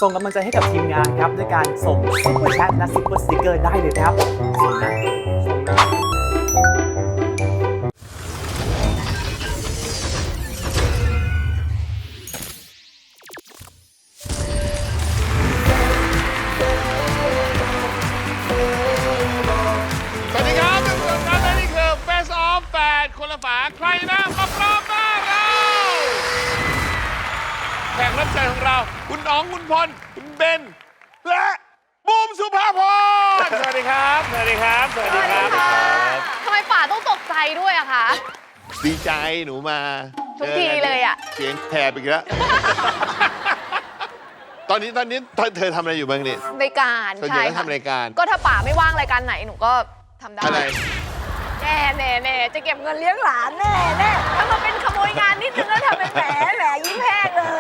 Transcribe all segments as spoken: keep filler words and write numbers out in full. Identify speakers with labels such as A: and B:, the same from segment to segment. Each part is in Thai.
A: ส่งกำลังใจให้กับทีมงานครับด้วยการส่งซุปเปอร์แชทและซุปเปอร์สติกเกอร์ได้เลยนะครับส่งนะส่งนะ
B: สวัสดีครับทุกคนครับและนี่คือ Face Off แปดคนละฝาใครนะมาพร้อมหน้าเราแขกรับเชิญของเราคุณอ๋องคุณพลคุณเบนและบูมสุภาพรสวัสดีครับสวัสดีครับสวัสดีครับ
C: ทำไมป่าต้องตกใจด้วยอะคะ
B: ดีใจหนูมา
C: ทุกทีเลยอะ
B: เสียงแถบอีกแล้ว ตอนนี้ตอนนี้เธอทำอะไรอยู่บ้างเนี่ย
C: รายการ
B: ส่วนใหญ่
C: ใช่
B: ก็
C: ค่ะ
B: ทำรายการ
C: ก็ถ้าป่าไม่ว่างรายการไหนหนูก็ทำได้
B: อะไร
C: แน่แน่แน่จะเก็บเงินเลี้ยงหลานแน่แน่ถ้ามาเป็นขโมยงานนิดนึงแล้วทำเป็นแหมแหมยิ้มแห้งเลย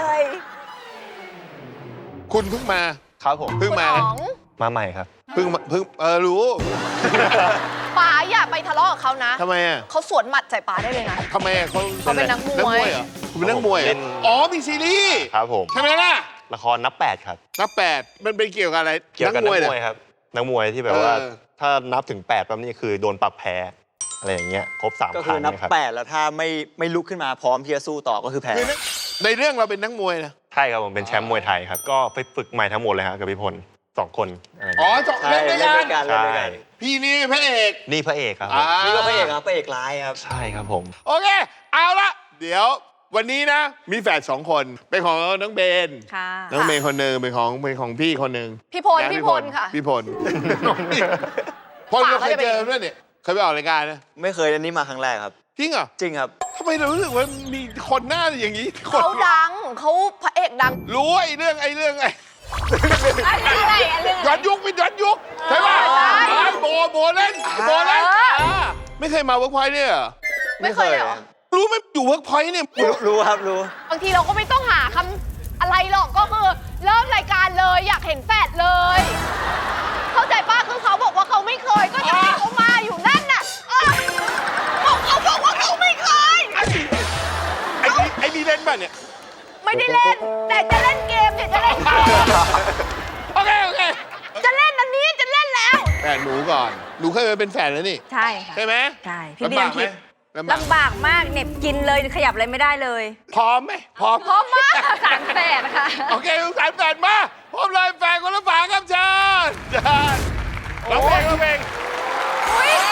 B: คุณเพิ่งมา
D: ครับผม
B: เพิ่งมา
C: คุณอ๋อง
D: มาใหม่ครับ
B: เพิ่งมาเพิ่งเออรู้
C: ป่าอย่าไปทะเลาะกับเขานะ
B: ทำไมอ่ะ
C: เขาสวนหมัดใส่ป่าได้เลยนะ
B: ทำไมอ่ะเขา
C: เขาเป็นนักมวย
B: นักมวยเหรอคุณเป็นนักมวยเหร
D: เล่
B: อน อ๋อมีซีรีส์
D: ครับผม
B: ใช่ไหมล่ะ
D: ละครนับแปดครับ
B: นับแปดมันเป็นเกี่ยวกับอะไร
D: เกี่ยวกับนักม
B: เหรอ
D: วยครับ นักมวยที่แบบว่า
B: เออ
D: ถ้านับถึงแปดปั๊บนี่คือโดนปรับแพ้ อะไรอย่างเงี้ย ครบสาม
E: ก็
D: ค
E: คื
D: รั้
E: อง นับ
D: นะครับ
E: แปดแล้วถ้าไม่ไม่ลุกขึ้นมาพร้อมที่จะสู้ต่อก็คือแพ้
B: คือในในเรื่องเราเป็นนักมวยนะ
D: ใช่ครับผมเป็นแชมป์มวยไทยครับ ก็ไปฝึกใหม่ทั้งหมดเลยครับกับพี่พลสองคนอะไรอย่าง
B: อ๋อ
D: เงี้ย
B: จบ
E: ใช่
B: เล่นด้วย
E: เล่น
B: กั
E: ด้วน ยกันเล่น
D: ใช่
E: ด้วยกัน
B: พี่นี่พระเอก
D: นี่พระเอกครับ
B: อ่า
E: นี่ก็พระเอกครับพระเอกร้ายครับ
D: ใช่ครับผม
B: โอเค เอาละเดี๋ยววันนี้นะ มีแฝดสองคน เป็นของน้องเบน
C: ค่ะ
B: น้องเบนคนหนึ่งเป็นของเป็นของพี่คนหนึ่ง
C: พี่พล
B: นะ
C: พี่พลค่ะ
B: พี่พลพลเราเคยเจอด้วยเนี่ยเคยไปออกรายการนะ
E: ไม่เคยอันนี้มาครั้งแรกครับ
B: จริงเหรอ
E: จริงครับ
B: ทำไมเรารู้สึกว่ามีคนหน้าอย่างนี้คน
C: เขาดังเขาพระเอกดัง
B: รู้ไอ้เรื่องไอ้เรื่องไอ้
C: อะไรอะไร
B: ย้อนยุคเป็นย้อนยุคใช่ป่ะ
C: ใช่
B: ไอ้โบโบเล่นโบเล่น
C: เออ
B: อ่าไม่เคยมาเวิร์กพอยต์เนี่ยเหรอ
C: ไม่เคยเลยเหรอ
B: รู้ไหมอยู่เวิร์กพอยต์เนี่ย
E: รู้รู้ครับรู้
C: บางทีเราก็ไม่ต้องหาคำอะไรหรอกก็คือเริ่มรายการเลยอยากเห็นแฟดเลย เข้าใจป้าคือเขาบอกว่าเขาไม่เคยก็จะให้เขามาอยู่นั่นน่ะเออบอกเขาบอกว่าเขาไม่เคย
B: ไอ้นี่ไอ้นี่เล่นป่ะเนี่ย
C: ไม่ได้เล่น แต่จะเล่นเกมเนี่ยจะเล่นเกม
B: โอเคโอเค
C: จะเล่นอันนี้จะเล่นแล้ว
B: แฝดหนูก่อนหนูเคยมาเป็นแฝดแล้วนี่
F: ใช่ค่ะ
B: ใช่ไหม
F: ใช่พี่
B: ลำ
F: เรี
B: บาย
F: น
B: กไหม
F: ทิพย์
B: ลำบาก
F: ลำบากมากเหน็บกินเลยขยับอะไรไม่ได้เลย
B: พร้อมไหมพร้อม
C: พร้อมมาก
F: สารแฝดนะคะ
B: โอเคลูกสารแฝดมาพร้อมเลยแฝดคนละฝาครับเชิญเชิญร้องเพลงร้องเพลง
C: อุ้ย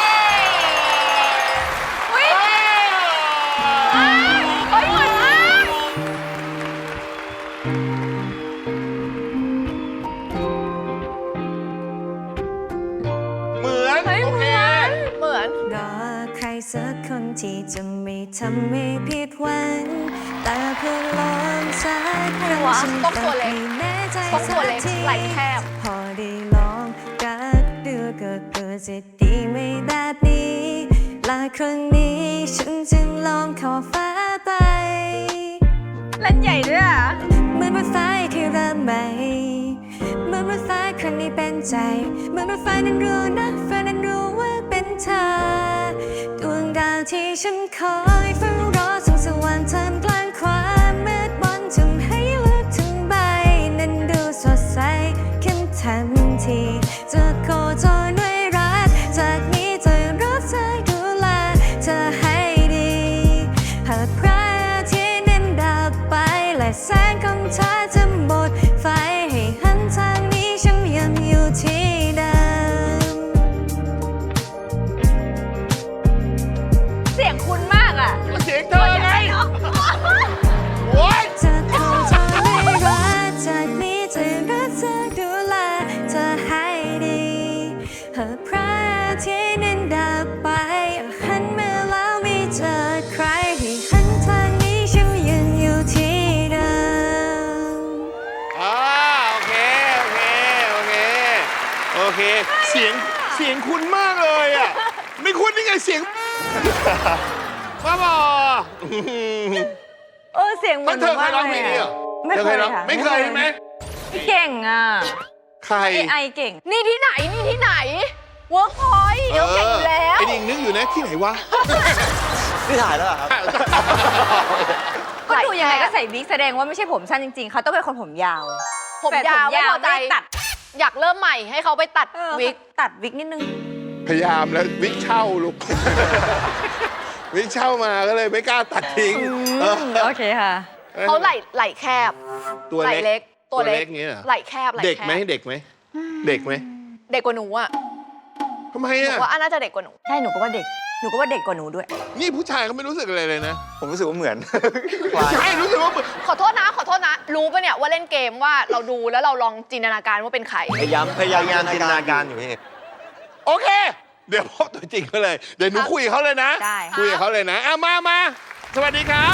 C: อุ้ย
B: เอ้ย
C: เฮ้ยเหมือนมาก
B: เหมือน
C: เฮ้ย
B: โอ
C: เห
B: เค
C: มือนเหมือน
F: รอใครสักคนที่จะไม่ทำให้ผิดหวังแต่เพื่อลองสักครั้ง
C: วะ
F: ฉัน
C: ต้องตัวเล็ก
F: ไม่แน่ใจ
C: ต้องตัวเล็ก
F: สัที
C: ไหล่แคบ
F: พอได้ลองกัดดูก็เกิดจะดีไม่แบบนี้และครั้งนี้ฉันจึงลองขอฟ้าไปเล่นใหญ่ด้วยอ่ะเหมือนรถไฟที่เริ่มใหม่เหมือนรถไฟครั้งนี้เป็นใจเหมือนรถไฟนั้นรู้นะไฟนั้นรู้ว่าเป็นเธอดวงดาวที่ฉันคอยเฝ้ารอส่องสว่างท่ามกลางความมืดมนทำให้โลกทั้งใบนั้นดูสดใสขึ้นทันทีจะโคจรด้วยรักจากนี้จะรักเธอดูแลเธอให้ดีหากพระอาทิตย์นั้นดับไปและแสงของเธอจะหมดไฟให้หันทางนี้ฉันยังอยู่ที่เดิม
C: เสียงคุณมากอ่ะ
B: เสียงเธอไงโอ้ย
F: จะโคจรด้วยรักจากนี้จะรักเธอดูแลเธอให้ดีหากพระอาทิตย์นั้นดับไปหันมาแล้วไม่เจอใครให้หันทางนี้ฉันยังอยู่ที่เดิม
B: อ่าโอเคโอเคโอเคโอเคเสียงเสียงคุณมากเลยอ่ะไม่คุณนี่ไงเสียงบ้าบอ
F: เออเสียงเหมื
B: มั
F: อน น
B: เธอเคยร้องเพลงนี้เหรอ
F: ไม่
B: ธอ
F: เคย
B: ร้อง
F: ค่ะ
B: ไม่เคยใช่ไหม
F: พี่เก่งอ่ะ
B: ใคร
F: ไอไอเก่ง
C: นี่ที่ไหนนี่ที่ไหนเวิร์กพอยต์เดี๋ยวเก่งอยู่แล้ว
B: ไอ้ดิงนึกอยู่นะที่ไหนวะ
E: นี่ถ่ายแล้วเหรอครับ
F: ก็ดูยังไงก็ใส่วิกแสดงว่าไม่ใช่ผมสั้นจริงๆ เขาต้องเป็นคนผมยาว
C: ผม
F: แฟน
C: ยาวไม่พอใจ
F: ไม่ตัด
C: อยากเริ่มใหม่ให้เขาไปตัด
F: เออ
C: วิก
F: ตัดวิกนิดนึง
B: พยายามแล้ววิกเช่าลูก วิกเช่ามาก็เลยไม่กล้าตัดทิ้งเออ
F: โอเคค่ะ
C: เขาไหล่ไหล่แคบ
B: ตัว
C: ไหล่
B: เล็ก
C: เล็ก ตัวเล็ก
B: อย่างเงี้ยเหรอ
C: ไหล่แคบไหล่แคบ
B: เด็กไหมเด็กไหมเด็กไหม
C: เด็กกว่าหนูอ่ะ
B: ทำไม
C: หนู
B: อ่ะ
C: ว่าอันน่าจะเด็กกว่าหนู
F: ใช่ หนูก็ว่าเด็ก หนูก็ว่าเด็กกว่าหนูด้วย
B: นี่ผู้ชายเขาไม่รู้สึกอะไรเลยนะ
E: ผมรู้สึกว่าเหมือน
B: ใช่รู้สึกว่าเหมือน
C: ขอโทษนะ ขอโทษนะ รู้ปะเนี่ยว่าเล่นเกมว่าเราดูแล้วเราลองจินตนาการว่าเป็นใคร
E: พยายามพยายาม
D: งานจินตนาการอยู่พี่
B: โอเค เดี๋ยวพบตัวจริงเขาเลย เดี๋ยวหนู
C: ครับ
B: คุยกับเขาเลยนะ
F: ได้
B: คุยกับเขาเลยนะอ่ะมามาสวัสดีครับ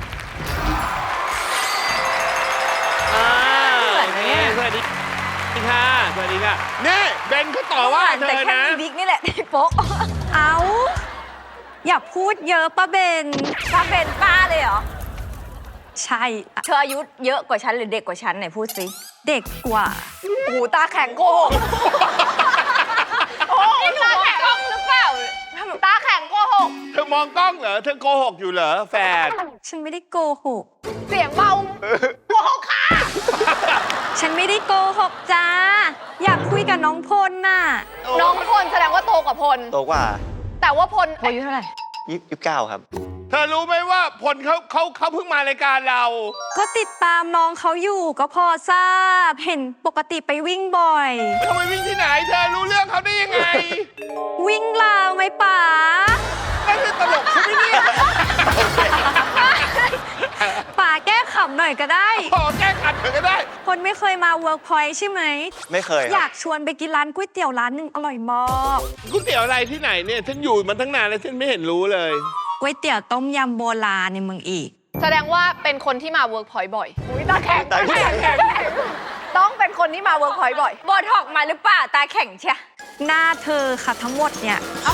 B: อ่า
F: เหมือนไหมเนี่ย
B: สวัสดีค่ะสวัสดีค่ะนี่เบนเขาต่อว่าเธ
F: แต่
B: อ
F: แค่
B: นะ
F: มีวิกนี่แหละที่โป๊ะ เอาอย่าพูดเยอะป้าเบนป้าเบนป้าเลยเหรอ ใช่ เธออายุเยอะกว่าฉันหรือเด็กกว่าฉันไหนพูดสิ เด็กกว่า
C: โอ้โหตาแข็งโกหกโอ้ยตาแข็งหรือเปล่าตาแข็งโกหก
B: เธอมองกล้องเหรอ เธอโกหกอยู่เหรอแฟน
F: ฉันไม่ได้โกหก
C: เสียงเบาโกหกค่ะ
F: ฉันไม่ได้โกหกจ้า อยากคุยกับน้องพลน่ะ
C: น้องพลแสดงว่าโตกว่าพล
E: โตกว่า
C: แต่ว่าพล
F: อายุเท่าไหร่
E: ยี่สิบเก้าครับ
B: เธอรู้ไหมว่าพลเขาเขาเขาเพิ่งมารายการเรา
F: ก็ติดตามน้องเขาอยู่ก็พอทราบ เห็นปกติไปวิ่งบ่อย
B: ทำไมวิ่งที่ไหน เธอรู้เรื่องเขาได้ยังไง
F: วิ่งลาวไหมป๋า
B: นั่นคือตลกใช่ไหมเนี่ย
F: ป๋าแก้ขำหน่อยก็ได้
B: พอแก้ขัดเธอก็ได้
F: คนไม่เคยมาเวิร์กพอยต์ใช่ไหม
E: ไม่เคยค
F: อ
E: รั
F: ยา
E: บ
F: กชวนไปกินร้านก๋วยเตี๋ยวร้านหนึ่งอร่อยมาก
B: ก๋วยเตี๋ยวอะไรที่ไหนเนี่ย ฉันอยู่มันตั้งนานแล้วฉันไม่เห็นรู้เลย
F: ก๋วยเตี๋ยวต้มยำโบราณในเมืองอีก
C: แสดงว่าเป็นคนที่มาเวิร์กพอยต์บ่อยอุ้ยตาแข็ง
E: ตาแข็ง
C: ตาแข็งต้องเป็นคนที่มาเวิร์กพอยต์บ่อย
F: บอทอกมาหรือเปล่าตาแข็งเชียหน้าเธอค่ะทั้งหมดเนี่ย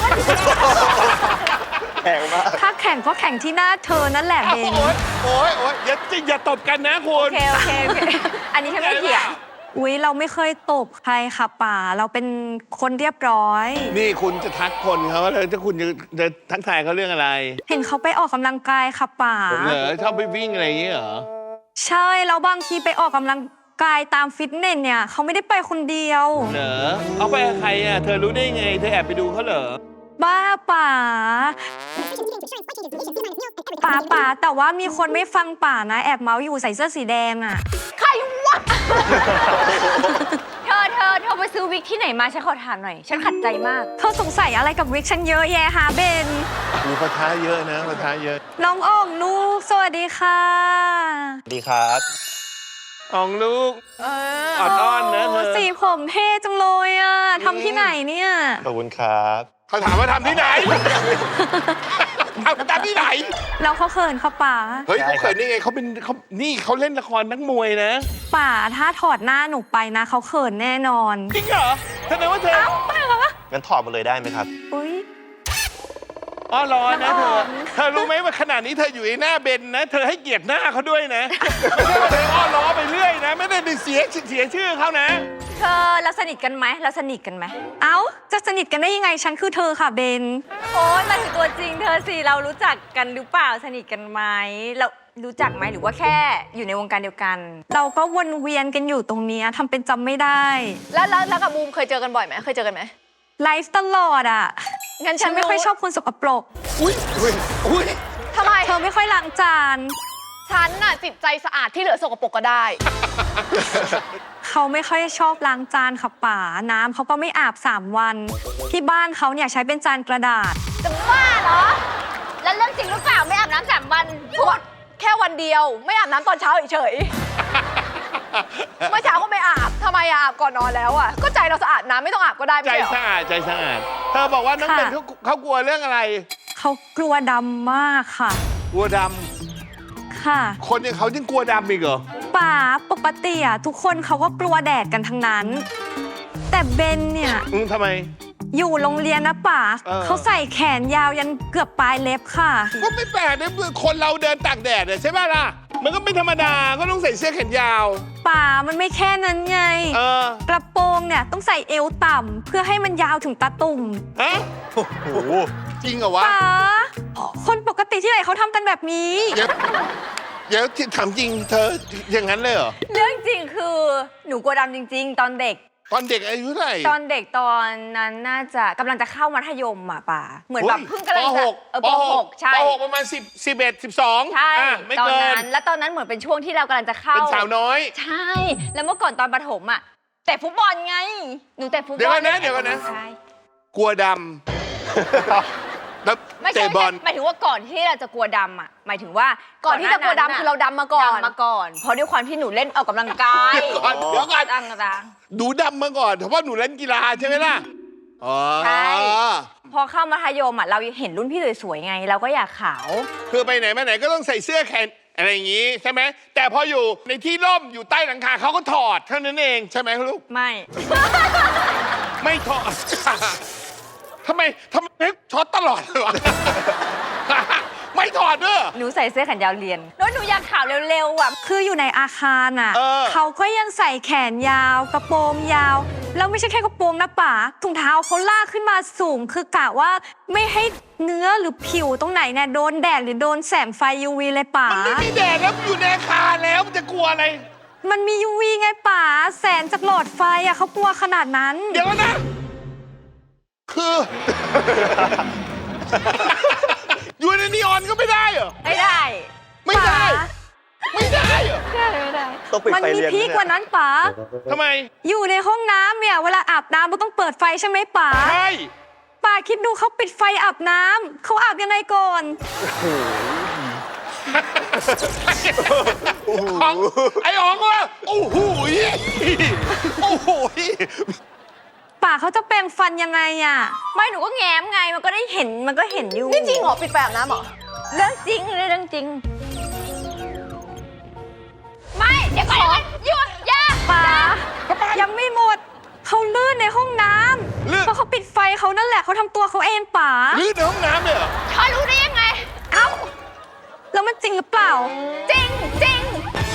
E: แข็งมาก
F: ถ้าแข่งก็แข่งที่หน้าเธอนั่นแหละ
B: โอ้
F: เบน
B: ยโอ้ยโอ้ยอย่าจิอย่าตบกันนะคุ
F: โอ
B: ณ
F: เค โอเค โอเค อันนี้ฉันไม่เถียงอุ๊ย เราไม่เคยตบใครค่ะป่า เราเป็นคนเรียบร้อย
B: นี่คุณจะทักคนเขาแล้วถ้าคุณจะจะทักทายเขาเรื่องอะไร
F: เห็นเขาไปออกกำลังกายค่ะป่า
B: เหรอชอบไปวิ่งอะไรอย่างเงี้ยเหรอ
F: ใช่ แล้วบางทีไปออกกำลังกายตามฟิตเนสเนี่ยเขาไม่ได้ไปคนเดียว
B: เหรอเอาไปกับใครอ่ะ เธอรู้ได้ไง เธอแอบไปดูเขาเหรอ
F: บ้าป่าป่าป่าแต่ว่ามีคนไม่ฟังป่านะ แอบเมาส์อยู่ใส่เสื้อสีแดงอ่ะ
C: ใครวะ
F: เธอเธอเธอไปซื้อวิกที่ไหนมาฉันขอถามหน่อย ฉันขัดใจมาก เธอสงสัยอะไรกับวิกฉันเยอะแยะฮะเบน
B: มีปะทะเยอะนะปะทะเยอะ
F: น้องอ่องลูก สวัสดีค่ะ
D: สวัสดีครับ
B: อองลูก
C: เออ
B: ออดอ้อนนะเธอ
F: สีผมเท่จังเลยอ่ะทำที่ไหนเนี่ย
D: ขอบคุณครับ
B: เขาถามว่าทำที่ไหน ทำทำที่ไหน
F: แล้วเขาเขินเขาป่า
B: เฮ้ย
D: ได้
B: เขา
D: ครับ
B: เคยนี่ไงเขาเป็นเขานี่เขาเล่นละครนักมวยนะ
F: ป่าถ้าถอดหน้าหนูไปนะเขาเขินแน่นอน
B: จริงเหรอแสดงว่าเธอ
D: งั้นถอดมาเลยได้ไหมครับ
F: อุ้ย
B: อ้อร้อนนะเธ
F: น้องอ
B: อ
F: อม
B: เธอรู้ไหมว่าขนาดนี้เธออยู่ในหน้าเบนนะ เธอให้เกียรติหน้าเขาด้วยนะ ไม่ใช่ว่าเธออ้อล้อไปเรื่อยนะ ไม่ได้ไปเสียเสียชื่อเขานะ
F: เธอเราสนิทกันไหมเราสนิทกันไหมเอ้าจะสนิทกันได้ยังไงฉันคือเธอค่ะเบนโอ้ยมาถึงตัวจริงเธอสิเรารู้จักกันหรือเปล่าสนิทกันไหมเรารู้จักไหมหรือว่าแค่อยู่ในวงการเดียวกัน เราก็วนเวียนกันอยู่ตรงเนี้ยทำเป็นจำไม่ได้
C: แล้วแล้วแล้วกับบูมเคยเจอกันบ่อยไหมเคยเจอกันไหม
F: ไลฟ์ตลอดอ่ะ
C: งั้นฉั
F: ฉั
C: น
F: นไม่ค่อย
C: รู้
F: ชอบคนสกปรก
B: อุ้ยอุ้ยอุ้ย
C: ทำไม
F: เธอไม่ค่อยล้างจาน
C: ฉันน่ะจิตใจสะอาดที่เหลือสกปรกก็ได้
F: เขาไม่ค่อยชอบล้างจานค่ะป่าน้ำเขาก็ไม่อาบสามวัน ที่บ้านเขาเนี่ยใช้เป็นจานกระดาษ
C: จะบ้าเหรอ แล้วเรื่องจริงหรือเปล่าไม่อาบน้ำสามวันพูดแค่วันเดียว ไม่อาบน้ำตอนเช้าเฉยๆ เมื่อเช้าก็ไม่อาบทำไมอะอาบก่อนนอนแล้วอ่ะก็ใจเราสะอาดน้ำไม่ต้องอาบก็ได้
B: ใจ
C: ไม่ใช่เหรอ
B: สะอาดใจสะอาด เธอบอกว่าน้อง
F: ค่ะ
B: เบนเขาเขากลัวเรื่องอะไร
F: เขากลัวดำมากค่ะ
B: กลัวด
F: ค่ะ
B: ำคนอย่างเขายังกลัวดำอีกเหรอ
F: ป่าปกติอะทุกคนเขาก็กลัวแดดกันทั้งนั้น แต่เบนเนี่ย
B: อืมทำไม
F: อยู่โรงเรียนนะป่า
B: เออ
F: เขาใส่แขนยาวยันเกือบปลายเล็บค่ะ
B: ก็ไม่แปลกนะคนเราเดินตากแดดเนี่ยใช่ไหมล่ะ มันก็ไม่ธรรมดา ก็ต้องใส่เสื้อแขนยาว
F: ป่ามันไม่แค่นั้นไง
B: เออ
F: กระโปรงเนี่ยต้องใส่เอวต่ำเพื่อให้มันยาวถึงตาตุ่ม
B: ฮะ
D: โอ้โห
B: จริงเหรอวะ
F: ป่าคนปกติที่ไหนเขาทำกันแบบนี้
B: เดี๋ยวเดี๋ยวถามจริงเธออย่างนั้นเลยเหรอ
F: เรื่องจริงคือหนูกลัวดำจริง ๆ ตอนเด็ก
B: ตอนเด็กอายุเท่าไหร่
F: ตอนเด็กตอนนั้นน่าจะกำลังจะเข้ามัธยมอ่ะป่าเหมือนแบบเพิ่งกำลัง
B: ป
F: จะ
B: หก
F: เออปหกใช่
B: ปหกประมาณสิบสิบเอ็ดสิบสอง
F: ใช่
B: ไม่
F: ตอน
B: เกิน
F: นั้นแล้วตอนนั้นเหมือนเป็นช่วงที่เรากำลังจะเข้า
B: เป็นสาวน้อย
F: ใช่ แล้วเมื่อก่อนตอนประถมอ่ะแต่ฟุตบอลไงหนูแต่ฟุตบอล
B: เดี๋ยวก่อนนะเดี๋ยวก่อนนะ
F: ใช่
B: กลัวดำแล้ว
F: ไม่ใช่
B: เตะ
F: ไม่
B: บอ
F: ใช่
B: ล
F: หมายถึงว่าก่อนที่เราจะกลัวดำอ่ะหมายถึงว่า
C: ก่อนที่จะกลัวดำคือเราดำมาก่อน
F: ดำมาก่อน เพราะด้วยความที่หนูเล่นออกกำลังกาย
B: เดี๋ยวก่อนเดี๋ยวก่อน
F: ตั้งต่าง
B: หนูดำมาก่อนเพราะว่าหนูเล่นกีฬาใช่ไหมล่ะอ๋อ
F: ใช่ พอเข้ามัธยมอ่ะเราเห็นรุ่นพี่สวยๆไง เราก็อยากขาว
B: คือไปไหนมาไหนก็ต้องใส่เสื้อแขนอะไรอย่างงี้ใช่ไหมแต่พออยู่ในที่ร่มอยู่ใต้หลังคาเขาก็ถอดเท่านั้นเองใช่ไหมลูก
F: ไม่
B: ไม่ถอด ทำไมทำไมช็อตตลอดเลยวะ ไม่ถอดเด้อ
F: หนูใส่เสื้อแขนยาวเรียน แล้วหนูอยากขาวเร็วๆอ่ะ คืออยู่ในอาคารอ่ะ
B: เออ
F: เขาก็ยังใส่แขนยาวกระโปรงยาว แล้วไม่ใช่แค่กระโปรงนะป๋าถุงเท้าเขาลากขึ้นมาสูง คือกะว่าไม่ให้เนื้อหรือผิวตรงไหนเนี่ยโดนแดดหรือโดนแสงไฟ ยู วี เลยป๋า
B: มันไม่มีแดดแล้วอยู่ในอาคารแล้วมันจะกลัวอะไร
F: มันมี ยู วี ไงป๋าแสงจากหลอดไฟอ่ะเขากลัวขนาดนั้น
B: เดี๋ยวนะ คือ อยู่ในนีออนก็ไม่ได้เหรอ
F: ไม่ได้
B: ไม่ได้
F: ป๋า
B: ไม่ได้เหรอ
F: ไม่ได้ไม่ได้
E: ต้องปิด
F: มัน
E: ไฟ
F: มี
E: เรียน
F: พีก
E: เนี่ย
F: กว่านั้นป๋า
B: ทำไม
F: อยู่ในห้องน้ำเนี่ยเวลาอาบน้ำมันต้องเปิดไฟใช่ไหมป๋า
B: ใช่
F: ป๋าคิดดูเขาปิดไฟอาบน้ำเขาอาบยังไงก่อน
B: ของไอ้อ๋องว่าโอ้โหยโอ้โหย
F: ป๋าเขาจะแปรงฟันยังไงอ่ะไม่หนูก็แง้มไงมันก็ได้เห็นมันก็เห็นอยู่
C: นี่จริงเหรอปิดไฟอาบน้ำเหรอ
F: เรื่องจริงเรื่องจริง ไม่เดี๋ยวก่อนหยุดอย่าป๋ายังไม่หมดเขาลื่นในห้องน้ำ
B: ลื่น
F: เพราะเขาปิดไฟเขานั่นแหละเขาทำตัวเขาเองป๋า
B: ลื่นในห้องน้ำเลยเหรอ
F: เธอรู้ได้ยังไงเอ้าแล้วมันจริงหรือเปล่า จริงจริง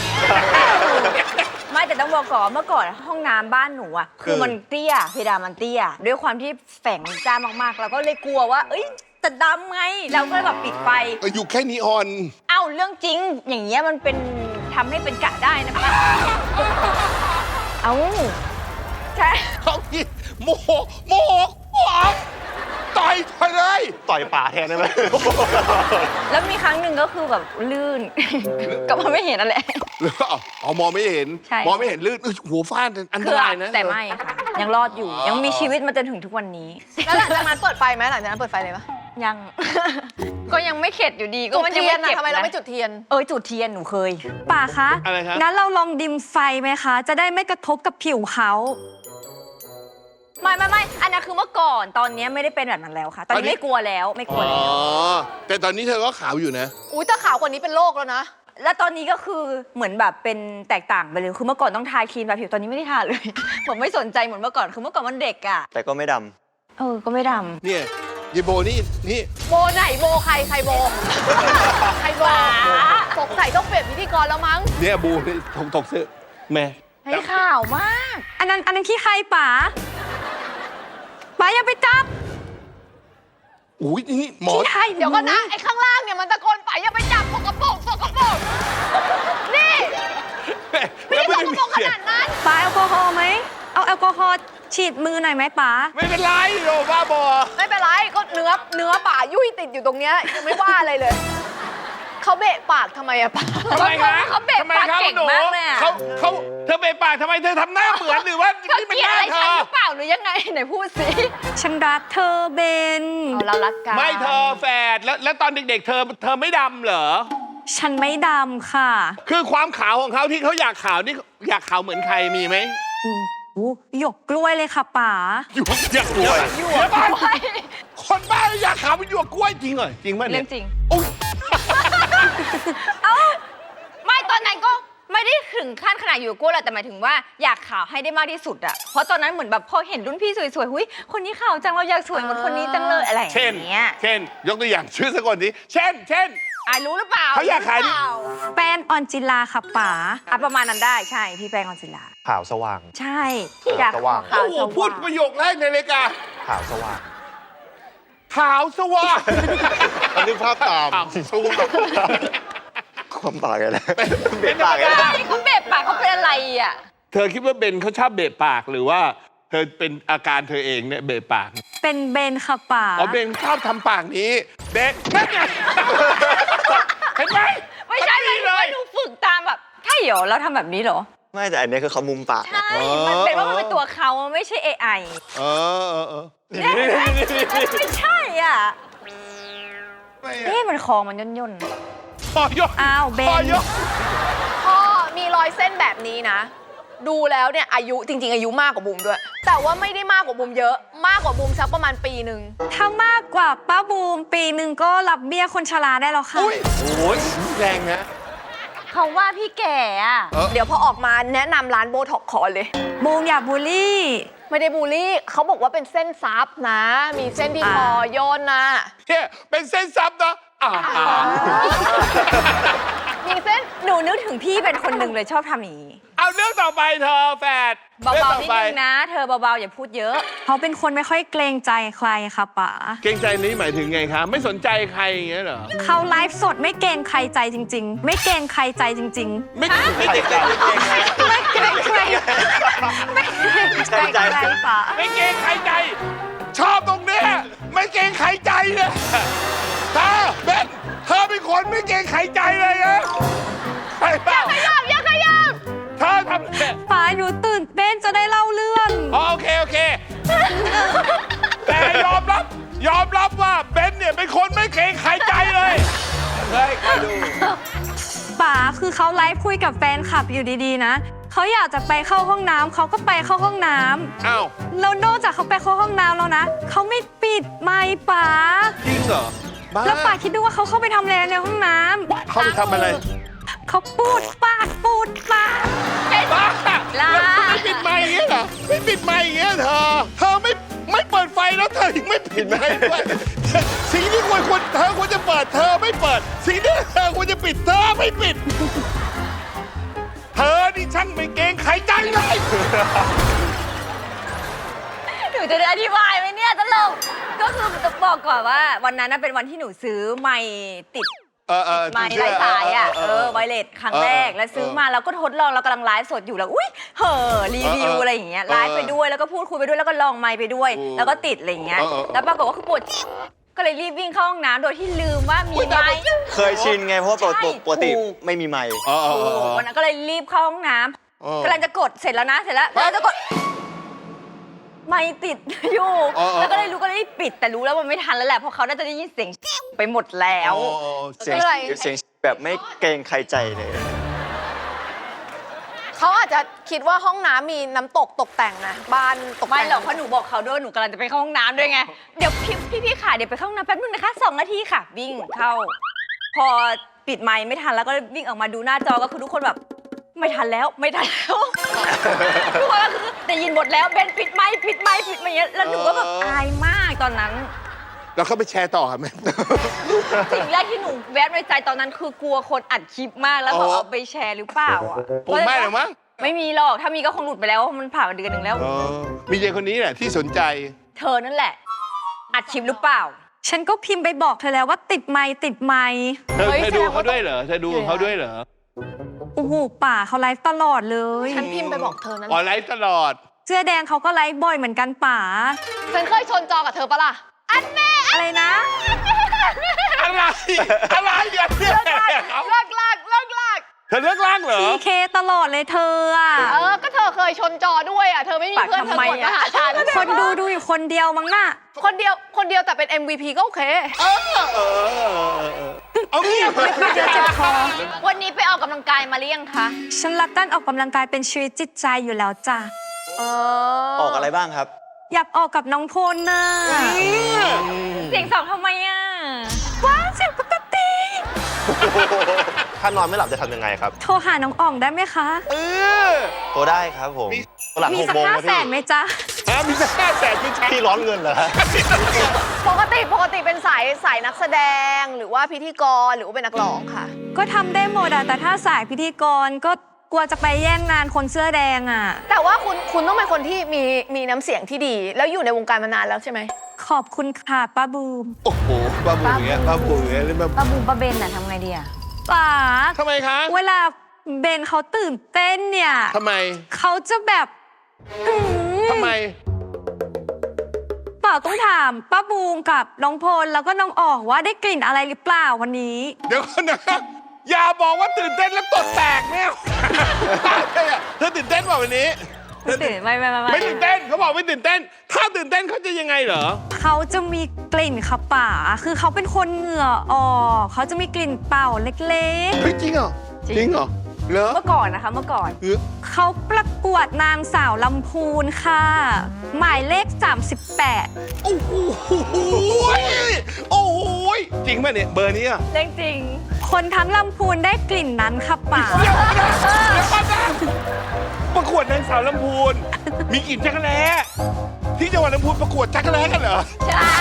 F: ไม่แต่ต้องบอกก่อนเมื่อก่อนห้องน้ำบ้านหนูอ่ะคือมันเตี้ยเพดานมันเตี้ย ด้วยความที่แฝงจ้ามากๆ แล้วก็เลยกลัวว่า เอ้ยจะดำไงเราก็เลยแบบปิดไฟ
B: อยู่แค่นีออน
F: เอ้าเรื่องจริง อย่างเงี้ยมันเป็นทำให้เป็นกะได้นะคะเอ้าใช่
B: เขาพี่โมโหโมโหโมโหต่อยต่อยเลย
D: ต่อยป่าแทนได้ไหม
F: แล้วมีครั้งหนึ่งก็คือแบบลื่น ก็มันไม่เห็นนั่นแหละ
B: หรืออ๋อมองไม่เห็น
F: ใช่
B: มองไม่เห็นลื่นเอ้ยหัวฟาดอันต
F: คือ
B: รายนะ
F: แต่ไม่ค่ะ ยังรอดอยู่ ยังมีชีวิตมาจนถึงทุกวันนี้
C: แล้วหลังจากนั้นเปิดไฟไหมหลังจากนั้นเปิดไฟเลยปะ
F: ยัง ก็ยังไม่เข็ดอยู่ดีก็
C: จุด
F: มันยัง
C: เทีย
F: ไม่
C: นนะ
F: เก็บ
C: ทำไมเรา
F: นะ
C: ไม่จุดเทียน
F: เออจุดเทียนหนูเคยป่าคะ
B: อะไรครับ
F: งั้นเราลองดิมไฟไหมคะ จะได้ไม่กระทบกับผิวเขาไม่ไม่ไม่อันนั้นคือเมื่อก่อนตอนนี้ไม่ได้เป็นแบบนั้นแล้วค่ะ ตอนนี้ไม่กลัวแล้วไม่กลัว
B: อ๋อ
F: แล้ว
B: แต่ตอนนี้เธอก็ขาวอยู่นะ
C: อุ้ยถ้าขาวกว่านี้เป็นโรคแล้วนะ
F: แล้วตอนนี้ก็คือเหมือนแบบเป็นแตกต่างไปเลยคือเมื่อก่อนต้องทาครีมแบบผิวตอนนี้ไม่ได้ทาเลย ผมไม่สนใจเหมือนเมื่อก่อนคือเมื่อก่อนมันเด็กอ่ะ
E: แต่ก็ไม่ด
F: เออก็ไม่ด
B: เนี่ยยายโบนี่นี่
C: โบไหนโบใครใครโบ ใครโบสงสัยต้องเปลี่ยนพิธีกรแล้วมั้ง
B: เนี่ยบูนี่ถกถกเสื้อแม่
F: ำให้ข่าวมาก อันนั้นอันนั้นขี้ใครป๋าป๋าอย่าไปจับ
B: อุ้ยนี่หมอ
F: ขี้ใคร
C: เดี๋ยวก่อนนะ ไอ้ข้างล่างเนี่ยมันตะโกนไปอย่าไปจับสกปรกสกปรกนี่ไม่ได้สกปรกขนาดนั้น
F: ป๋าแอลกอฮอล์ไหมเอาแอลกอฮอล์ฉีดมือหน่อยไหมป๋า
B: ไม่เป็นไรโยบ้าบอ
C: ไม่เป็นไรก็เนื้อเนื้อป่ายุ่ยติดอยู่ตรงเนี้ยยังไม่ว่าอะไรเลยเขาเบะปากทำไมอะป่า
B: ทำไมคะ
F: เขาเบะ
B: ทำไม
F: ปาก
B: ครับ
F: เก่ง
B: หนู
F: มากเลยอะ
B: เขาเขาเธอเบะปากทำไมเธอทำหน้าเหมือนหรือว่า
F: เขา
B: นี่เป็น
F: เกลีย
B: ห
F: ด
B: น้า
F: อะไร
B: เธ
F: ฉัน
B: อ
F: หรือเปล่าหรือยังไงไหนพูดสิฉันรักเธอเบน
C: เอาเรารักกัน
B: ไม่เธอแฝดแล้วแล้วตอนเด็กๆ เธอเธอไม่ดำเหรอ
F: ฉันไม่ดำค่ะ
B: คือความขาวของเขาที่เขาอยากขาวนี่อยากขาวเหมือนใครมีไหม
F: อืมอู้หยกกล้วยเลยค่ะป๋า
B: อยู่อยากกล้วยอยู่บ้านคนบ้าอยากขาวเป็นหยวกกล้วยจริงเหรอจริงป่ะเนี่
F: เรื่
B: ย
F: องจริง
B: โอ้ย
F: เอ้าไม่ตอนนั้นก็ไม่ได้ถึงขั้นขนาดอยู่กล้วยหรอกแต่หมายถึงว่าอยากขาวให้ได้มากที่สุดอะเพราะตอนนั้นเหมือนแบบพอเห็นรุ่นพี่สวยๆหุยคนนี้ขาวจังเราอยากสวยเหมือนคนนี้จังเลยอะไรอย่า
B: เช่น
F: งเงี้ย
B: เช่นยกตัวอย่างชื่อสักคนนี้เช่น เช่น
F: อายรู้หรือเปล่า
B: เขาอยากขาย
F: รู้หรือเปล่แป้นออนจิลาค่ะป๋าอ่ะประมาณนั้นได้ใช่พี่แป้งออนจิลา
D: ขาวสว่าง
F: ใช่อยาก
D: สว่าง
F: ขาว
B: โอ้โห
F: สว่าง
B: พูดประโยคแรกในรายการ
D: ขาวสว่าง
B: ขาวสว่าง
D: นึกภาพตาม
B: ขาวสว่าง
E: ความปากอะไร
B: เป็นปากอะไร
F: ใช่เขาเบะปากเขาเป็นอะไรอ่ะ
B: เธอคิดว่าเบนเขาชอบเบะปากหรือว่าเธอเป็นอาการเธอเองเนี่ยเบะปาก
F: เป็นเบนค่ะป๋า
B: อ๋อเบนชอบทำปากนี้เบนนั่นไงเห็นไหม
F: ไม่ใช่
B: มัน
F: ไม่
B: ดีเล
F: ใช่
B: ย
F: หนูฝึกตามแบบใช่เหรอเราทำแบบนี้เหรอ
E: ไม่แต่อันนี้คือเขามุมปาก
F: ใช่มันเป็นว่ามันเป็นตัวเขาไม่ใช่ เอ ไอ
B: เออเออเออ
F: เนี่ยไม่ใช่อ่ะ
B: ไม่
F: เอ๊ะมันคอมันย่นย่น
B: พอยก
F: อ้าวเบน
B: พอยก
C: พ่อมีรอยเส้นแบบนี้นะ ดูแล้วเนี่ยอายุจริง ๆ อายุมากกว่าบุมด้วย แต่ว่าไม่ได้มากกว่าบุมเยอะ มากกว่าบุมสักประมาณปีหนึ่ง
F: ถ้ามากกว่าป้าบูมปีหนึ่งก็รับเบี้ยคนชราได้แล้วค่ะ
B: อุ้ยโอ้ยแรงนะ
F: เขาว่าพี่แก่อ่ะ
B: เออ
C: เดี๋ยวพอออกมาแนะนำร้านโบท็อกคอเลย
F: บูมอย่าบูลลี่
C: ไม่ได้บูลลี่เขาบอกว่าเป็นเส้นซับนะ มีเส้นที่คอโยนนะ
B: เนี่ยเป็นเส้นซับนะอ่าอ่า
C: มีเส้น
F: หนูนึกถึงพี่เป็นคนหนึ่งเลยชอบทำอย่างนี้
B: เอาเรื่องต่อไปเธอแฟด
F: เบา
B: รื่อง
F: ๆ
B: ต่อ
F: นิด
B: ไป
F: นึงนะ เธอเบาๆอย่าพูดเยอะ เขาเป็นคนไม่ค่อยเกรงใจใครค่ะป๋า
B: เกรงใจนี้หมายถึงไงคะไม่สนใจใครอย่างเงี้ยเหรอ
F: เขาไลฟ์สดไม่เกรงใครใจจริง ๆ ไม่เกรงใครใจจริง
B: ไม่ไม่เกรงใจ
F: ๆ ไม่เกรงใครไม่เกรงใจใครป๋า
B: ไม่เกรงใครใจ ชอบตรงเนี้ยไม่เกรงใครใจเลยเธอเบนเธอเป็นคนไม่เกรงใครใจเลยนะใช่เปล่า
C: ขยับอย่าขยับ
B: เธอทำเนี่ย
F: ป๋าหนูตื่นเต้นจะได้เล่าเรื่อง
B: อ๋อโอเคโอเค แต่ยอมรับยอมรับว่าเบนเนี่ยเป็นคนไม่เกรงใครใจเลยเฮ้ยคอยดู
F: ป๋าคือเขาไลฟ์คุยกับแฟนคลับอยู่ดีๆนะเขาอยากจะไปเข้าห้องน้ำเขาก็ไปเข้าห้องน้ำ
B: อ้าว
F: แล้วนอกจากเขาไปเข้าห้องน้ำแล้วนะเขาไม่ปิดไมค์ป๋า
B: จริงเหรอบ้า
F: แล้วป๋าคิดดูว่าเขาเข้าไปทำอะไรในห้องน้ำ
B: เข้าไปทำอะไร
F: เขาปูดปากปูดปาก
B: บ้า
F: ลา
B: แล้วไม่ปิดไมค์อย่างเงี้ยเหรอไม่ปิดไมค์อย่างเงี้ยเธอเธอไม่ไม่เปิดไฟแล้วเธอถึงไม่ปิดไมค์ด้วยสิ่งที่ควรควรเธอควรจะเปิดเธอไม่เปิด สิ่งที่เธอควรจะปิดเธอไม่ปิด เธอนี่ช่างไม่เกรงใครใจเลย
F: หนูจะได้อธิบายไหมเนี่ยตลกก็คือจะบอกก่อนว่าวันนั้นน่ะเป็นวันที่หนูซื้อไมค์ติด
B: เออเออ
F: ไมค์ไร้สายอ่ะเออไวเลสครั้งแรก
B: เออ
F: แล้วซื้อมาแล้วก็ทดลองเรากำลังไลฟ์สดอยู่แล้วอุ้ยเห่อรีวิว
B: เออเออ
F: อะไรอย่างเงี้ย
B: เออ
F: ไลฟ์ไปด้วยแล้วก็พูดคุยไปด้วยแล้วก็ลองไมค์ไปด้วย
B: เออ
F: แล้วก็ติดอะไรอย่างเงี้ย
B: เออเออ
F: แล้วปรากฏว่าคือปวดก็เลยรีบวิ่งเข้าห้องน้ำโดยที่ลืมว่ามีไมค์
E: เคยชินไงเพราะว่าปกติ
F: ใช่
E: ปกติ
F: ถูก
E: ไม่มีไมค์
B: อ๋ออ๋อ
F: โอ้
B: อ๋อ
F: วันนั้นก็เลยรีบเข้าห้องน้
B: เออ
F: ำกำลังจะกดเสร็จแล้วนะเสร็จแล้วกำลังจะกดไม่ติดอยู่
B: เออเออ
F: แล้วก็เลยรู้ก็เลยรีบปิดแต่รู้แล้วมันไม่ทันแล้วแหละเพราะเขาน่าจะได้ยินเสียงไปหมดแล้ว
B: อ๋ออ๋อ
E: เสียง
C: อะไร
E: เสียงแบบไม่เกรงใครใจเลย
C: เขาอาจจะคิดว่าห้องน้ำมีน้ำตกตกแต่งนะบ้านตกแต่ง
F: ไม่หรอกเพราะหนูบอกเขาด้วยหนูกำลังจะไปเข้าห้องน้ำด้วยไงเดี๋ยวพี่พี่พี่ค่ะเดี๋ยวไปเข้าห้องน้ำแป๊บนึงนะคะสองนาทีค่ะ วิ่งเข้า พอปิดไมค์ไม่ทันแล้วก็วิ่งออกมาดูหน้าจอก็คือทุกคนแบบไม่ทันแล้วไม่ทันแล้วทุกคนก็คือได้ยินหมดแล้วเบนปิดไมค์ปิดไมค์ปิดไมค์อย่างเงี้ยแล้วหนูก็แบบอายมากตอนนั้น
B: แล้วเขาไปแชร์ต่อไหม
F: สิ่งแรกที่หนูแวบในใจตอนนั้นคือกลัวคนอัดคลิปมากแล้วเขา
B: อ๋อ
F: เอาไปแชร์หรือเปล่าอ่ะ
B: ผมไม่หรอกมั้ง
F: ไม่มีหรอกถ้ามีก็คงหลุดไปแล้วมันผ่านมาเดือนหนึ่งแล้ว
B: อ๋อมีเยคนนี้แหละที่สนใจ
F: เธอนั่นแหละ อัดคลิปหรือเปล่า ฉันก็พิมพ์ไปบอกเธอแล้วว่าติดไมค์ติดไมค์
B: เธอ
C: เฮ้ย
B: เธอดู
C: แสดงว่า
B: เขาด้วยเหรอเธอดูเขาด้วยเหรอ
F: โอ้โหป่าเขาไลฟ์ตลอดเลย
C: ฉันพิมพ์ไปบอกเธอนั้น
B: ออนไลน์ตลอด
F: เสื้อแดงเขาก็ไลฟ์บ่อยเหมือนกันป่า
C: ฉันเคยชนจอกับเธอปะล่ะ อันแน่
F: อะไรนะ
B: อะไร อะไรอย่างเงี้ย
C: เลิกลากเลิกลากเลิกลาก
B: เธอเลือกล่างเหรอ
F: พีเคตลอดเลยเธออ่ะ
C: เออ ก็เธอเคยชนจอด้วยอ่ะ เธอไม่มี
F: ปาก
C: เพื่อนเธอ
F: ทำไม
C: กดมา
F: อะ
C: หาฉัน
F: คนดูดูอยู่คนเดียวมั้งน่ะ
C: คนเดียว คนเดียวแต่เป็น เอ็ม วี พี ก็โอเค
B: เออเออเออเออเออเอางี้
F: ไม่เจอเจ็บคอ
C: วันนี้ไปออกกำลังกายมาหรือยังคะ
F: ฉันรักการออกกำลังกายเป็นชีวิตจิตใจอยู่แล้วจ้ะ
C: เอ
E: ออกอะไรบ้างครับ
F: อยากออกกับน้องพลน่ะเสียงสองทำไมอ่ะว้าวเสียงปกติ
D: ถ้านอนไม่หลับจะทำยังไงครับ
F: โทรหาน้องอ่องได้ไหมคะ
B: เออ
E: โทรได้ครับผม
D: หลัง
F: มี
D: หก
F: สัก
D: โมง
F: ห้า
D: นะ
F: แส
D: พี่
F: นไหมจ๊ะ
B: ฮะมีสักห้าแสนไม่ใช่
D: พี่ร้อนเงินเหรอฮะ
C: ปกติ ปกติเป็นสายสายนักแสดง หรือว่าพิธีกร หรือว่าเป็นนักร้องค่ะ
F: ก็ทำได้หมดอะแต่ถ้าสายพิธีกรก็กลัวจะไปแย่งงานคนเสื้อแดงอะ
C: แต่ว่าคุณ คุณต้องเป็นคนที่มี มีน้ำเสียงที่ดี แล้วอยู่ในวงการมานานแล้วใช่ไหม
F: ขอบคุณค่ะป้าบูม
B: โอ้โหบ้าบูอย่างเงี้ยบ้าบูอย่างเงี้ยเล่นบ้า
G: ป้าบูมป้าเบนน่ะทำไงดีอะ
B: เ
F: ป๋า
B: ทำไมคะ
F: เวลาเบนเขาตื่นเต้นเนี่ย
B: ทำไม
F: เขาจะแบบอื้อหือ
B: ทำไม
F: เปล่าต้องถามป้าบูมกับน้องพลแล้วก็น้องออกว่าได้กลิ่นอะไรหรือเปล่าวันนี้
B: เดี๋ยวก่อนนะอย่าบอกว่าตื่นเต้นแล้วตดแตกเนี่ยเธอตื่นเต้นป่ะวันนี้
F: ไม่ตื่นไม่ไม่ไม่
B: ไม่ตื่นเต้นเขาบอกไม่ตื่นเต้น ถ้าตื่นเต้นเขาจะยังไงเหรอ
F: เขาจะมีกลิ่นค่ะป๋าคือเขาเป็นคนเหงื่อออกเขาจะมีกลิ่นเป่าเล็ก
B: เฮ้ยจริงเหรอ จริงเหรอเหรอ
F: ๆ เมื่อก่อนนะคะเมื่อก่อน
B: เออ
F: เขาประกวดนางสาวลำพูนค่ะ หมายเลข สามสิบแปด
B: โอ้โหโอ้โหจริงป่ะเนี่ยเบอร์นี้อ่ะ
F: เรื่องจริง คนทั้งลำพูนได้กลิ่นนั้นค่ะป๋า
B: เดี๋ยวก่อนนะเดี๋ยวก่อนนะประกวดนางสาวลำพูน มีกลิ่นจักรแล้ที่จังหวัดลำพูนประกวดจักรแล้กันเหรอ
F: ใช่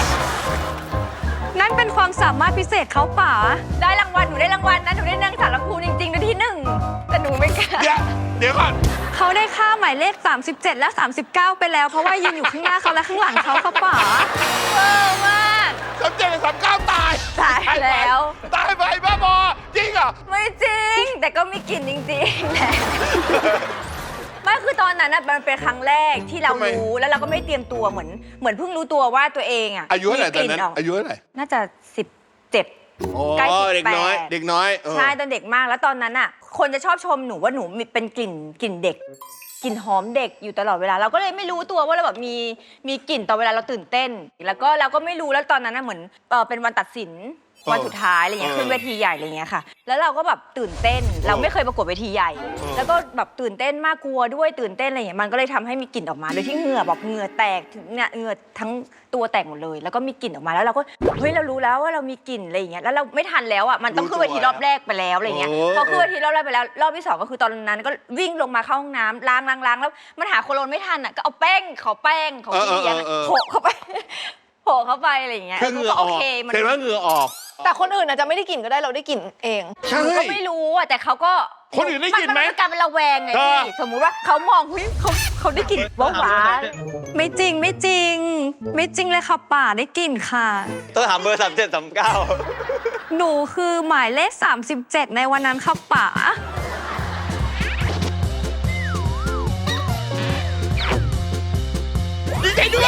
F: นั่นเป็นความสามารถพิเศษเขาป๋าได้รางวัลหนูได้รางวัลนะหนูได้นางสาวลำพูนจริงๆในที่หนึ่งแต่หนูไม่กล้า
B: เดี๋ยวเดี๋ยวก่อน
F: เขาได้ค่าหมายเลข สามสิบเจ็ด และ สามสิบเก้า ไปแล้ว เพราะว่ายืนอยู่ข้างหน้าเขาและข้างหลังเขาเขาป๋าเวอร์มาก
B: สามเจ็ดกับสามเก้าตาย
F: ตายแล้ว
B: ตายไปบ้าบอจริงเหรอ
F: ไม่จริง แต่ก็มีกลิ่นจริงๆแหละไม่คือตอนนั้นน่ะมันเป็นครั้งแรกที่เรา
B: ทำไม
F: รู้แล้วเราก็ไม่เตรียมตัวเหมือนเหมือนเพิ่งรู้ตัวว่าตัวเองอ่ะ
B: อายุเท่าไหร่ตอนนั้น
F: มีกก
B: อายุเท่าไหร่
F: น่าจะสิบเจ็ด
B: โอ้
F: ใกล้สิบแปด
B: เด็กน้อย เด็กน้อยเออ
F: ใช่ตอนเด็กมากแล้วตอนนั้นอ่ะ คนจะชอบชมหนูว่าหนูมีเป็นกลิ่นกลิ่นเด็กกลิ่นหอมเด็กอยู่ตลอดเวลาเราก็เลยไม่รู้ตัวว่าเราแบบมีมีกลิ่นตอนเวลาเราตื่นเต้น แล้วก็เราก็ไม่รู้แล้วตอนนั้นน่ะเหมือนเออเป็นวันตัดสินวันสุดท้ายอะไรเงี้ยขึ้นเวทีใหญ่อะไรเงี้ยค่ะ แล้วเราก็แบบตื่นเต้น เราไม่เคยประกวดเวทีใหญ่ แล้วก็แบบตื่นเต้นมากกลัวด้วยตื่นเต้นอะไรเงี้ยมันก็เลยทำให้มีกลิ่นออกมาโดยที่เหงื่อแบบเหงื่อแตกถึงเนี่ยเหงื่อทั้งตัวแตกหมดเลย แล้วก็มีกลิ่นออกมาแล้วเราก็เฮ้ยเรารู้แล้วว่าเรามีกลิ่นอะไรอย่างเงี้ยแล้วเราไม่ทันแล้วอ่ะมันต้องขึ้นเวทีรอบแรกไปแล้วอะไรเงี้ยพอขึ้นเวทีรอบแรกไปแล้วรอบที่สองก็คือตอนนั้นก็วิ่งลงมาเข้าห้องน้ำล้างล้างล้างแล้วมันหาโคโลนไม่ทันอ่ะก็เอาแป้งขอแป้งของพี่เลี้ยงโปะเข้าไปโปะเข้าไปอะไรอย่างเงี้ย
B: คือเหงื่อออก
F: โเคมัน
B: เห็นว่าเหงื่อออก
C: แต่คนอื่นอาจจะไม่ได้กลิ่นก็ได้เราได้กลิ่นเอง
B: ใช่
F: หนูก็ไม่รู้อ่ะแต่เขาก็
B: คนอื่นได้กลิ่นไหม
F: มันเป็นการเป็นระแวงไง
B: เออ
F: พี่สมมุติว่าเขามองเฮ้ยเขาเขาได้กลิ่นว่าหวานไม่จริงไม่จริง ไม่จริงเลยค่ะป่าได้กลิ่นค่ะ
E: ต้องถามเบอร์สามเจ็ดสามเก้า
F: หนูคือหมายเลข สามสิบเจ็ด ในวันนั้นค่ะป๋า
B: ดีใจด้วย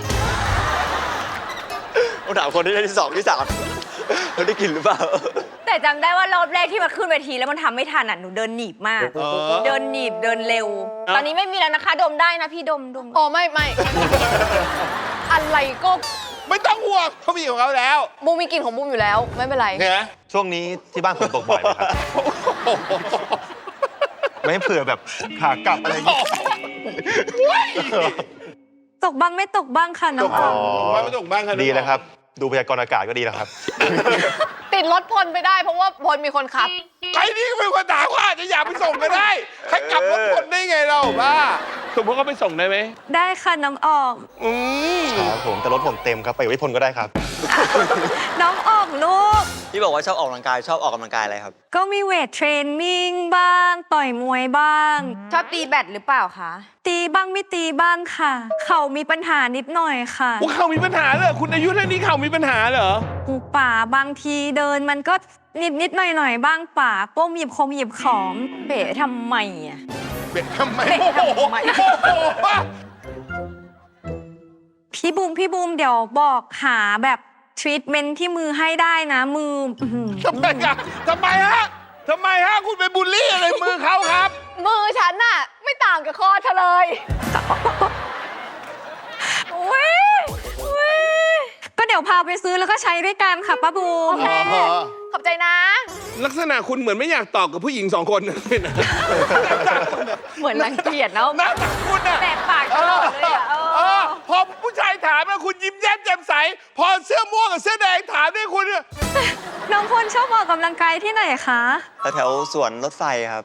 E: ต้องถามคนที่ได้ที่สองที่สามเขาได้กลิ่นหรือเปล่า
F: แต่จำได้ว่ารอบแรกที่มาขึ้นเวทีแล้วมันทำไม่ทันอ่ะหนูเดินหนีบมาก
B: เออ
F: เดินหนีบเดินเร็ว ตอนนี้ไม่มีแล้วนะคะดมได้นะพี่ดมดม
C: อ๋อไม่ไม่ อะไรก็
B: ไม่ต้องห่วงเขามีของเขาแล้ว
C: บูมมีกลิ่นของบูมอยู่แล้ว ไม่เป็นไร
B: เนี่ย
D: ช่วงนี้ที่บ้านฝนตกบ่อยไหมครับ ไม่เผื่อแบบขากลับอะไรอย่างเงี้ย
F: ตกบ้างไม่ตกบ้างค่ะน้องออม
B: ตกบ้างไม่ตกบ้างครับ
D: ดีแล้วครับ ดูพยากรณ์อากาศก็ดีแล้วครับ
C: ติดรถพลไปได้เพราะว่าพลมีคนขับ
B: ไอ้นี่ก็เป็นคนถามว่าอาจจะอยากไปส่งก็ได้ให้กลับรถคนได้ไงเราบ้าสมมติเขาไปส่งได้ไหม
F: ได้ค่ะน้องออก
B: อืม
D: ครับผมแต่รถผมเต็มครับ ไปกับพี่พลก็ได้ครับ
F: น้องออกลูก
E: ที่บอกว่าชอบออกกำลังกายชอบออกกำลังกายอะไรครับ
F: ก็มีเวทเทรนนิ่งบ้าง ต่อยมวยบ้าง
C: ชอบตีแบดหรือเปล่าคะ
F: ตีบ้างไม่ตีบ้างค่ะ เข่ามีปัญหานิดหน่อยค่ะ
B: ว่าเขามีปัญหาเหรอคุณอายุเท่านี้เขามีปัญหาเหรอ
F: หูป่าบางทีเดินมันก็นิดนิดหน่อยหน่อยๆบ้างป่าป้มหยิบคงหยิบของเบ๋ทำไมอ่ะ
B: เบะทำไม
F: เบะ
B: โอ้โห
F: ทำไม
B: โอ้โห
F: พี่บูมพี่บูมเดี๋ยวบอกหาแบบทรีทเมนต์ที่มือให้ได้นะมืออื้อหือ
B: ทำไมอะทำไมฮะทำไมฮะคุณไปบูลลี่อะไรมือเขาครับ
C: มือฉันน่ะ ไม่ต่างกับคอเธอเลย
F: อุ๊ยอุ๊ยก็เดี๋ยวพาไปซื้อแล้วก็ใช้ด้วยกันค่ะป้าบูม
C: โอเค ขอบใจนะ
B: ลักษณะคุณเหมือนไม่อยากตอบกับผู้หญิงสองคนเลยนะ
F: เหมือนรังเกียจเนาะ
B: หน้าตาคุณอะ
F: แตกปากตลอดเลยอะเอ
B: เอ
F: อ
B: อพอผู้ชายถามแล้วคุณยิ้มแย้มแจ่มใส พอเสื้อม่วงกับเสื้อแดงถามด้วยคุณเนี่ย
F: น้องพลชอบออกกำลังกายที่ไหนคะ
E: แถวๆสวนรถไฟครับ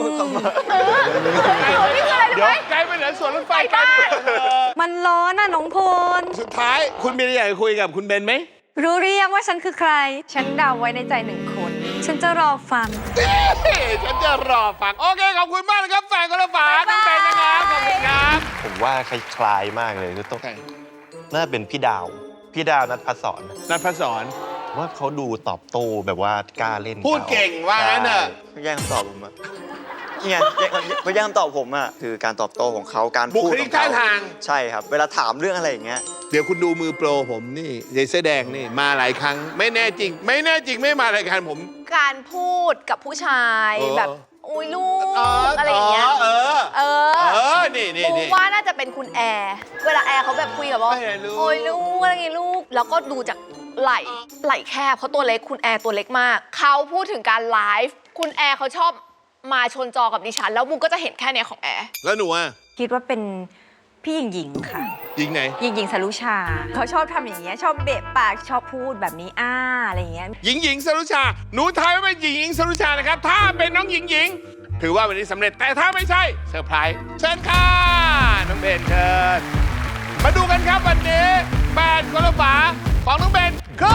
B: เดี๋ยวไกลไปไหนสวนรถไฟไกลไปไหนเออ
F: มันร้อนน่ะน้องพล
B: สุดท้ายคุณมีอะไรอยากจะคุยกับคุณเบนไหม
F: รู้หรือยังว่าฉันคือใคร ฉันเดาไว้ในใจหนึ่งคน ฉันจะรอฟัง
B: ฉันจะรอฟัง โอเค ขอบคุณมากนะครับแฟนคนละฝาคุณเบนนะครับ ขอบคุณครับ
D: ผมว่าคล้ายๆมากเลยคือต้องน่าจะเป็นพี่ดาว พี่ดาวนัทพัฒสอน
B: นัทพศร
D: ว่าเขาดูตอบโต้แบบว่ากล้าเล่น
B: พูดเก่งว่างั้นเถอะ
E: ไม่แย่งคำตอบผมอะนี่ไงแย่งไม่แย่งคำตอบผมอะคือการตอบโต้ของเขาการ
B: บุ
E: พูด
B: ค
E: ข
B: ลิ
E: อก ง
B: ท่า
E: เขา
B: ทาง
E: ใช่ครับ เวลาถามเรื่องอะไรอย่างเงี้ย
B: เดี๋ยวคุณดูมือโปรผมนี่ยายเสื้อแดงนี่มาหลายครั้ง ไม่แน่จริง ไม่แน่จริงไม่มารายการผม
C: การพูดกับผู้ชาย
B: เออ
C: แบบอุ้ยลูกอะไรอย่างเงี้ย
B: เออ
C: เออ
B: เออ นี่นี่
C: ปู
B: นี่
C: ว่าน่าจะเป็นคุณแอร์ เวลาแอร์เขาแบบคุยกับว่า
B: ไม่ได้ลูก
C: โอ้ยลูกอะไรเงี้ยลูก แล้วก็ดูจากไหล่ไหล่แคบเพราะตัวเล็กคุณแอร์ตัวเล็กมาก เขาพูดถึงการไลฟ์คุณแอร์เขาชอบมาชนจอกับดิฉัน แล้วบูมก็จะเห็นแค่เนี้ยของแอร์
B: แล้วหนูอ่ะ
F: คิดว่าเป็นพี่หญิงหญิงค่ะ
B: ยิงไหน
F: หญิงหญิงสรุชา เขาชอบทำอย่างเงี้ยชอบเบะปากชอบพูดแบบนี้อ้าอะไรอย่างเงี้ย
B: หญิงหญิงสรุชา หนูทายว่าเป็นหญิงหญิงสรุชานะครับ ถ้าเป็นน้องหญิงหญิง ถือว่าวันนี้สำเร็จ แต่ถ้าไม่ใช่เซอร์ไพรส์เชิญค่ะ น้องเบนเชิญ มาดูกันครับวันนี้แบรนด์กระฝาของน้องเบนคือ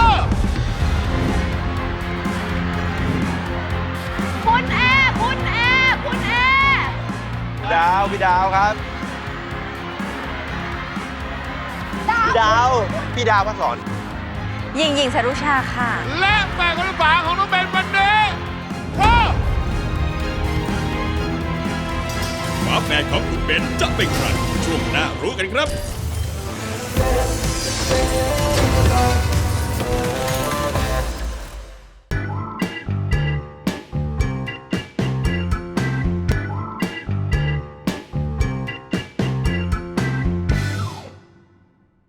C: คุณแอร์คุณแอร์คุณแอร์
E: ดาวพี่ดาวครับ พี่ดาว พี่ดาวพระสอน
F: หญิงหญิงสรุชาค่ะ
B: และแบรนด์กระฝาของน้องเบนวันนี้คือ
G: ฝาแฝดของคุณเบนจะเป็นใครช่วงหน้ารู้กันครับ